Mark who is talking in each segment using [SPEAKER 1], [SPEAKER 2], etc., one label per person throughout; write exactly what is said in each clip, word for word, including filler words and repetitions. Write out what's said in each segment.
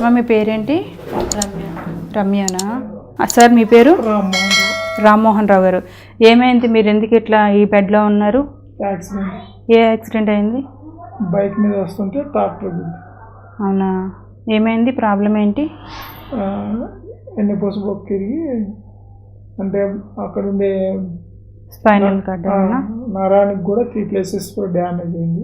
[SPEAKER 1] మీ పేరేంటి?
[SPEAKER 2] రమ్య.
[SPEAKER 1] రమ్యనా? సార్ మీ పేరు?
[SPEAKER 3] రామ్మోహన్ రావు.
[SPEAKER 1] రామ్మోహన్ రావు గారు, ఏమైంది? మీరు ఎందుకు ఇట్లా ఈ బెడ్లో ఉన్నారు?
[SPEAKER 3] యాక్సిడెంట్.
[SPEAKER 1] ఏ యాక్సిడెంట్ అయింది?
[SPEAKER 3] బైక్ మీద వస్తుంటే ట్రాక్టర్ గుద్ది.
[SPEAKER 1] అవునా? ఏమైంది? ప్రాబ్లం ఏంటి?
[SPEAKER 3] ఎన్నెపోస బొక్క తిరిగి అంటే అక్కడ ఉండే
[SPEAKER 1] స్పైనల్ కార్డ్
[SPEAKER 3] నరానికి కూడా త్రీ ప్లేసెస్ డ్యామేజ్ అయింది.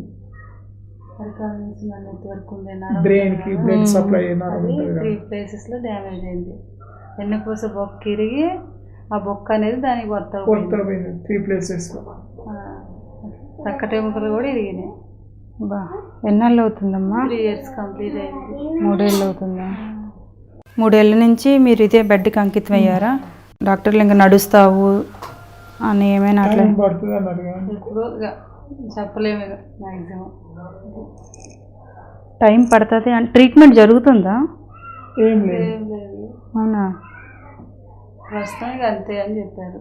[SPEAKER 3] బ్రెయిన్ కి బ్లడ్ సప్లై
[SPEAKER 2] త్రీ ప్లేసెస్ లో డ్యామేజ్ అయింది. ఎన్నెపూస బొక్క ఇరిగి ఆ బొక్క అనేది దానికి
[SPEAKER 3] కొత్తపోయింది. త్రీ ప్లేసెస్ లో
[SPEAKER 2] పక్క ఎముకలు కూడా ఇరిగినాయి.
[SPEAKER 1] బా, ఎన్నాళ్ళు అవుతుందమ్మా?
[SPEAKER 2] త్రీ ఇయర్స్ కంప్లీట్ అయింది.
[SPEAKER 1] మూడేళ్ళు అవుతుందా? మూడేళ్ళ నుంచి మీరు ఇదే బెడ్కి అంకితం అయ్యారా? డాక్టర్లు ఇంకా నడుస్తావు అని ఏమైనా అట్లా
[SPEAKER 3] పడుతుంది అన్నారు.
[SPEAKER 2] ఇప్పుడు చెప్పలేము ఇక మ్యాక్సిమం
[SPEAKER 1] టైం పడుతుంది. అంటే ట్రీట్మెంట్ జరుగుతుందా?
[SPEAKER 3] ఏం లేదు.
[SPEAKER 2] ఏం లేదు.
[SPEAKER 1] అవునా?
[SPEAKER 2] ప్రస్తుతానికి అంతే అని చెప్పారు.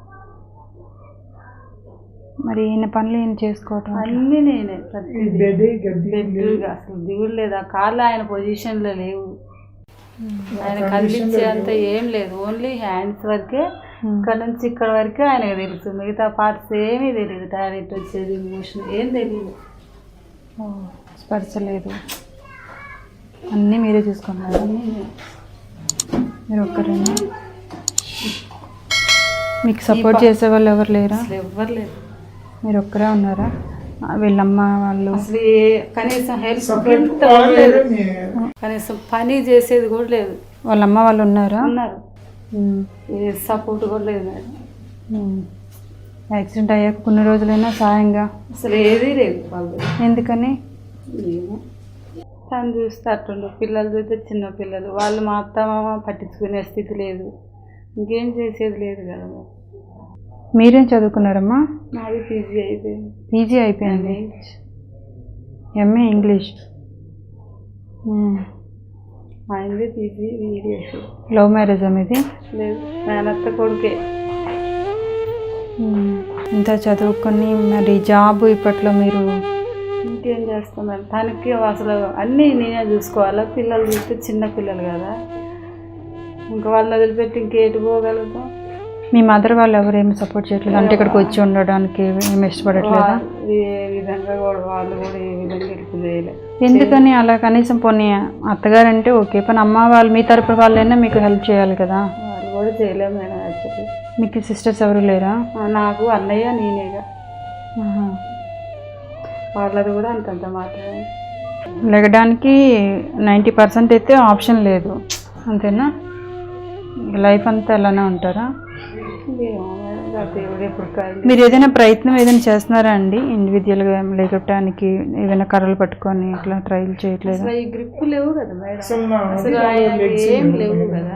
[SPEAKER 1] మరి ఈయన పనులు ఏం చేసుకోవటం?
[SPEAKER 2] అన్నీ నేనే.
[SPEAKER 3] గడ్డి
[SPEAKER 2] అసలు దిగుడు లేదు. ఆ కాళ్ళు ఆయన పొజిషన్లో లేవు. ఆయన కదిలించే అంత ఏం లేదు. ఓన్లీ హ్యాండ్స్ వరకే. ఇక్కడ నుంచి ఇక్కడ వరకే ఆయనకు తెలుసు. మిగతా పార్ట్స్ ఏమీ తెలియదు. టాయిలెట్ వచ్చేది, మోషన్ ఏం తెలియదు.
[SPEAKER 1] స్పర్శ లేదు. అన్నీ మీరే చూసుకున్నారు. మీరు ఒక్కరేనా? మీకు సపోర్ట్ చేసే వాళ్ళు ఎవరు లేరా?
[SPEAKER 2] అసలు ఎవ్వరు లేదు. లేదు
[SPEAKER 1] మీరు ఒక్కరే ఉన్నారా? వీళ్ళమ్మ వాళ్ళు
[SPEAKER 2] అసలు కనీసం హెల్ప్ లేదు. కనీసం పని చేసేది కూడా లేదు.
[SPEAKER 1] వాళ్ళ అమ్మ వాళ్ళు ఉన్నారా?
[SPEAKER 2] ఉన్నారు. ఏ సపోర్ట్ కూడా లేదు మేడం.
[SPEAKER 1] యాక్సిడెంట్ అయ్యాక కొన్ని రోజులైనా సాయంగా
[SPEAKER 2] అసలు ఏదీ లేదు వాళ్ళు.
[SPEAKER 1] ఎందుకని?
[SPEAKER 2] తను చూస్తే అట్టుండు. పిల్లలు చూస్తే చిన్న పిల్లలు. వాళ్ళు మా అత్త మామ పట్టించుకునే స్థితి లేదు. ఇంకేం చేసేది లేదు కదా.
[SPEAKER 1] మీరేం చదువుకున్నారమ్మా?
[SPEAKER 2] నాది పీజీ అయిపోయింది.
[SPEAKER 1] పీజీ అయిపోయింది. MA English.
[SPEAKER 2] ఆయనది పీజీ వీడియోస్.
[SPEAKER 1] లవ్ మ్యారేజా మీది?
[SPEAKER 2] లేదు, మేనత్త కొడుకే.
[SPEAKER 1] ఇంత చదువుకొని మరి జాబ్ ఇప్పట్లో మీరు
[SPEAKER 2] ఇంకేం చేస్తున్నారు? తనకి అసలు అన్నీ నేనే చూసుకోవాలా. పిల్లలు చూస్తే చిన్న పిల్లలు కదా, ఇంకా వాళ్ళని వదిలిపెట్టి ఇంకేటి పోగలుగుతాం?
[SPEAKER 1] మీ మదర్ వాళ్ళు ఎవరేమి సపోర్ట్ చేయట్లేదు? అంటే ఇక్కడికి వచ్చి ఉండడానికి ఏమి ఇష్టపడట్లేదా?
[SPEAKER 2] ఏ విధంగా కూడా వాళ్ళు కూడా ఏ విధంగా హెల్ప్ చేయలేదు.
[SPEAKER 1] ఎందుకని అలా? కనీసం పోనీ అత్తగారంటే ఓకే, కానీ అమ్మ వాళ్ళు మీ తరపు వాళ్ళైనా మీకు హెల్ప్ చేయాలి కదా.
[SPEAKER 2] వాళ్ళు కూడా చేయలేము మేడం. యాక్చువల్లీ
[SPEAKER 1] మీకు సిస్టర్స్ ఎవరు లేరా?
[SPEAKER 2] నాకు అన్నయ్య నేనేగా. వాళ్ళది కూడా అంతంత మాత్రమే.
[SPEAKER 1] లెగడానికి నైంటీ పర్సెంట్ అయితే ఆప్షన్ లేదు, అంతేనా? లైఫ్ అంతా అలానే ఉంటారా? మీరు ఏదైనా ప్రయత్నం ఏదైనా చేస్తున్నారా అండి? ఇండివిజువల్గా లేకటానికి ఏదైనా కర్రలు పట్టుకొని ఇట్లా ట్రైల్ చేయట్లేదు?
[SPEAKER 2] ఈ గ్రిప్ లేవు కదా మేడం. అసలు ఏం లేవు కదా.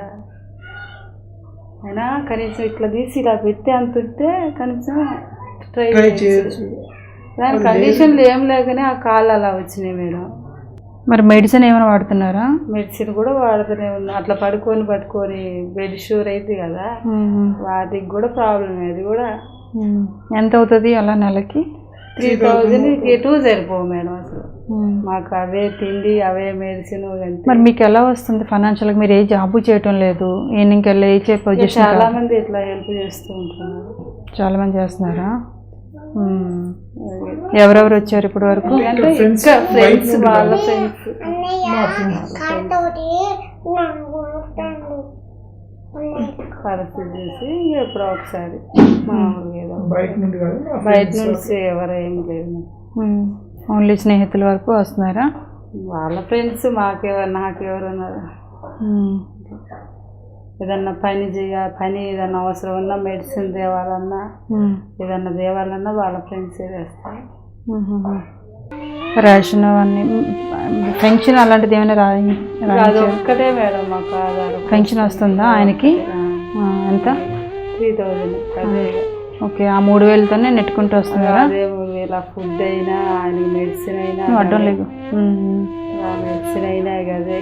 [SPEAKER 2] అయినా కనీసం ఇట్లా తీసి ఇలా పెట్టి అంతుంటే కనీసం ట్రై చేయొచ్చు. దాని కండిషన్లు ఏం లేకనే ఆ కాళ్ళు అలా వచ్చినాయి మేడం.
[SPEAKER 1] మరి మెడిసిన్ ఏమైనా వాడుతున్నారా?
[SPEAKER 2] మెడిసిన్ కూడా వాడుతూనే ఉన్నా. అట్లా పడుకొని పట్టుకొని బెడ్ షూర్ అయితే కదా, వాటికి కూడా ప్రాబ్లం. అది కూడా
[SPEAKER 1] ఎంత అవుతుంది అలా నెలకి?
[SPEAKER 2] త్రీ థౌజండ్ ఎటు సరిపోవు మేడం. అసలు మాకు అవే తిండి, అవే మెడిసిన్.
[SPEAKER 1] మరి మీకు ఎలా వస్తుంది ఫైనాన్షియల్గా? మీరు ఏ జాబు చేయటం లేదు, ఈయనకి వెళ్ళి ఏ చే పొజిషన్?
[SPEAKER 2] చాలా మంది ఇట్లా హెల్ప్ చేస్తూ ఉంటున్నారు.
[SPEAKER 1] చాలా మంది చేస్తున్నారా? ఎవరెవరు వచ్చారు ఇప్పటి వరకు?
[SPEAKER 2] ఫ్రెండ్స్, వాళ్ళ ఫ్రెండ్స్. పరిస్థితి చేసి ఎప్పుడో ఒకసారి మామూలుగా బయట నుంచి ఎవరు ఏం లేదు.
[SPEAKER 1] ఓన్లీ స్నేహితుల వరకు వస్తున్నారా?
[SPEAKER 2] వాళ్ళ ఫ్రెండ్స్. మాకెవరు నాకెవరు ఉన్నారు? ఏదన్నా పని చేయ పని ఏదన్నా అవసరం ఉన్నా, మెడిసిన్ తేవాలన్నా, ఏదన్నా తేవాలన్నా వాళ్ళ ఫ్రెండ్సే వేస్తారు.
[SPEAKER 1] రేషన్ అవన్నీ, పెన్షన్ అలాంటిది ఏమైనా రాయి?
[SPEAKER 2] అది ఒక్కటే మేడం మాకు ఆధారం.
[SPEAKER 1] పెన్షన్ వస్తుందా ఆయనకి? ఎంత?
[SPEAKER 2] Three thousand. అదే
[SPEAKER 1] ఓకే. ఆ మూడు వేలతోనే నెట్టుకుంటూ వస్తున్నారా?
[SPEAKER 2] అదే మూడు వేల ఫుడ్ అయినా, ఆయనకి మెడిసిన్ అయినా.
[SPEAKER 1] అడ్డం లేదు.
[SPEAKER 2] మెడిసిన్ అయినా అదే.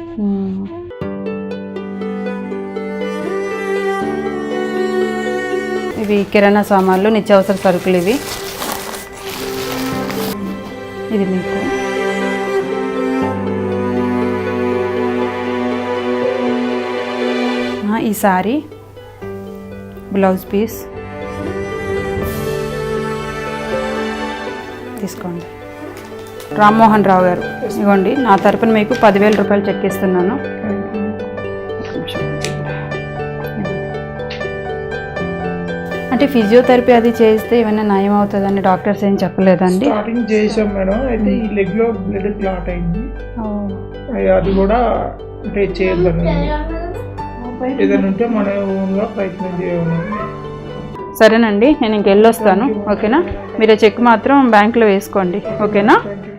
[SPEAKER 1] ఇవి కిరాణా సామాన్లు, నిత్యావసర సరుకులు. ఇవి ఇది మీకు ఈ సారీ, బ్లౌజ్ పీస్ తీసుకోండి. రామ్మోహన్ రావు గారు, ఇవ్వండి నా తరపున మీకు పదివేల రూపాయలు చెక్ ఇస్తున్నాను. అంటే ఫిజియోథెరపీ అది చేస్తే ఏమైనా నయం అవుతుందని డాక్టర్స్ ఏం చెప్పలేదండి?
[SPEAKER 3] స్టార్టింగ్ చేసాం మేడం. అయితే ఈ లెగ్ లో బ్లడ్ క్లాట్ అయింది. అది కూడా అంటే చేయొద్దని ఏదైనా ఉంటే మన ఓన్గా ప్రయత్నం చేయాలి.
[SPEAKER 1] సరేనండి, నేను ఇంకెళ్ళొస్తాను. ఓకేనా? మీరు చెక్ మాత్రం బ్యాంకులో వేసుకోండి. ఓకేనా?